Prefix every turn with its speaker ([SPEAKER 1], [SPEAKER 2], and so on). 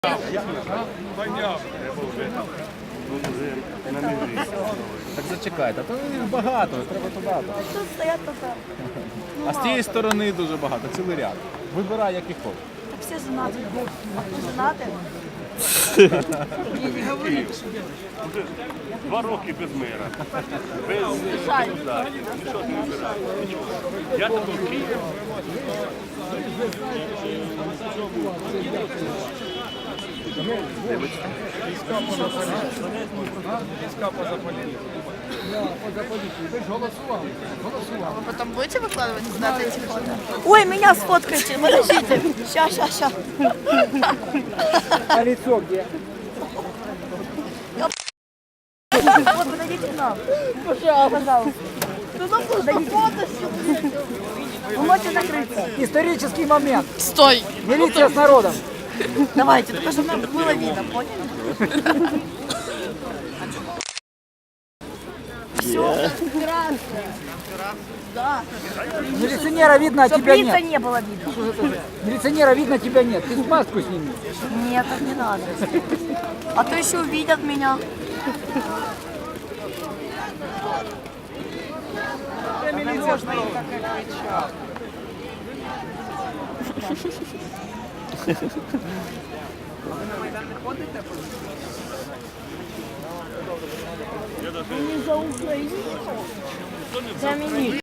[SPEAKER 1] Так зачекайте, то їх багато, треба туди.
[SPEAKER 2] Тут стоять тільки.
[SPEAKER 1] А з тієї сторони дуже багато, цілий ряд. Вибирай, який хочеш.
[SPEAKER 2] Так всі женаті. А хто женати?
[SPEAKER 3] 2 роки без мира. Без нічого не вибираю. Я такий.
[SPEAKER 2] Вы потом будете выкладывать куда-то эти фото? Ой, меня сфоткайте, подождите. Ща.
[SPEAKER 4] А лицо где?
[SPEAKER 2] Вот, подойдите к нам. Пожалуйста. Ну, подойдите. Вы можете закрыться.
[SPEAKER 4] Исторический момент.
[SPEAKER 2] Стой.
[SPEAKER 4] Милиция с народом.
[SPEAKER 2] Давайте, только чтобы нам было видно, поняли? Все красное. Да.
[SPEAKER 4] Милиционера видно, а
[SPEAKER 2] Чтоб
[SPEAKER 4] тебя
[SPEAKER 2] лица
[SPEAKER 4] нет.
[SPEAKER 2] не было видно.
[SPEAKER 4] Милиционера видно, тебя нет. Ты маску сними.
[SPEAKER 2] Нет, так не надо. А то еще увидят меня. Они за Украину. За меня.